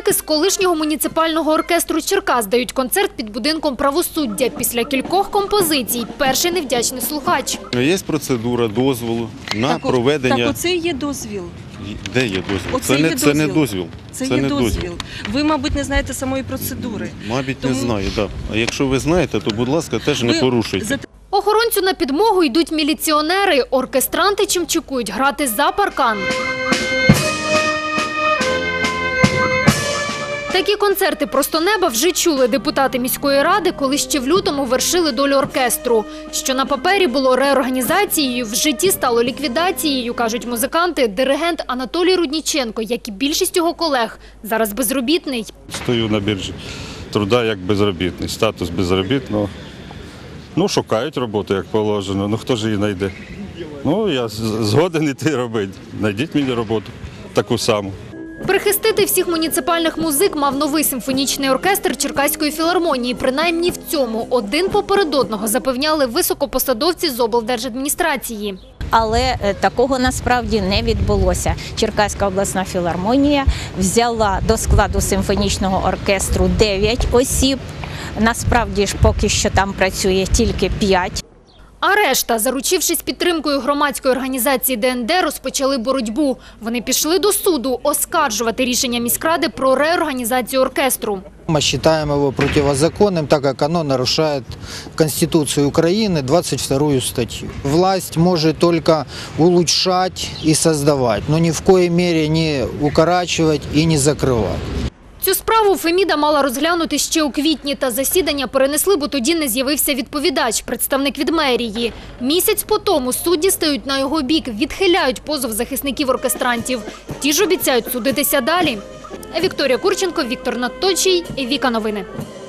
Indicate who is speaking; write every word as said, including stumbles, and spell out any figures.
Speaker 1: Музики з колишнього муніципального оркестру Черкас дають концерт під будинком правосуддя. Після кількох композицій перший невдячний слухач.
Speaker 2: Є процедура дозволу на так, проведення…
Speaker 3: Так оце є дозвіл.
Speaker 2: Де є дозвіл?
Speaker 3: Оце
Speaker 2: це,
Speaker 3: є
Speaker 2: не,
Speaker 3: дозвіл.
Speaker 2: це не дозвіл.
Speaker 3: Це,
Speaker 2: це
Speaker 3: є
Speaker 2: не
Speaker 3: дозвіл.
Speaker 2: дозвіл.
Speaker 3: Ви, мабуть, не знаєте самої процедури.
Speaker 2: Мабуть,
Speaker 3: Тому...
Speaker 2: не знаю, так. А якщо ви знаєте, то, будь ласка, теж не
Speaker 3: ви...
Speaker 2: порушуйте.
Speaker 1: Охоронцю на підмогу йдуть міліціонери. Оркестранти чимчикують грати за паркан. Такі концерти «Просто неба» вже чули депутати міської ради, коли ще в лютому вершили долю оркестру. Що на папері було реорганізацією, в житті стало ліквідацією, кажуть музиканти. Диригент Анатолій Рудніченко, як і більшість його колег, зараз безробітний.
Speaker 4: Стою на біржі труда як безробітний, статус безробітного. Ну, шукають роботу, як положено, ну хто ж її знайде? Ну, я згоден іти робити. Знайдіть мені роботу, таку саму.
Speaker 1: Прихистити всіх муніципальних музик мав новий симфонічний оркестр Черкаської філармонії. Принаймні в цьому один поперед одного запевняли високопосадовці з облдержадміністрації.
Speaker 5: Але такого насправді не відбулося. Черкаська обласна філармонія взяла до складу симфонічного оркестру дев'ять осіб. Насправді ж поки що там працює тільки п'ять.
Speaker 1: А решта, заручившись підтримкою громадської організації Де Ен Де, розпочали боротьбу. Вони пішли до суду оскаржувати рішення міськради про реорганізацію оркестру.
Speaker 6: Мы считаем его противозаконным, так как оно нарушает Конституцию Украины, двадцать вторую статью. Власть может только улучшать и создавать, но ни в коей мере не укорачивать и не закрывать.
Speaker 1: Цю справу Феміда мала розглянути ще у квітні, та засідання перенесли, бо тоді не з'явився відповідач, представник від мерії. Місяць по тому судді стають на його бік, відхиляють позов захисників оркестрантів. Ті ж обіцяють судитися далі. Вікторія Курченко, Віктор Надточій, Віка Новини.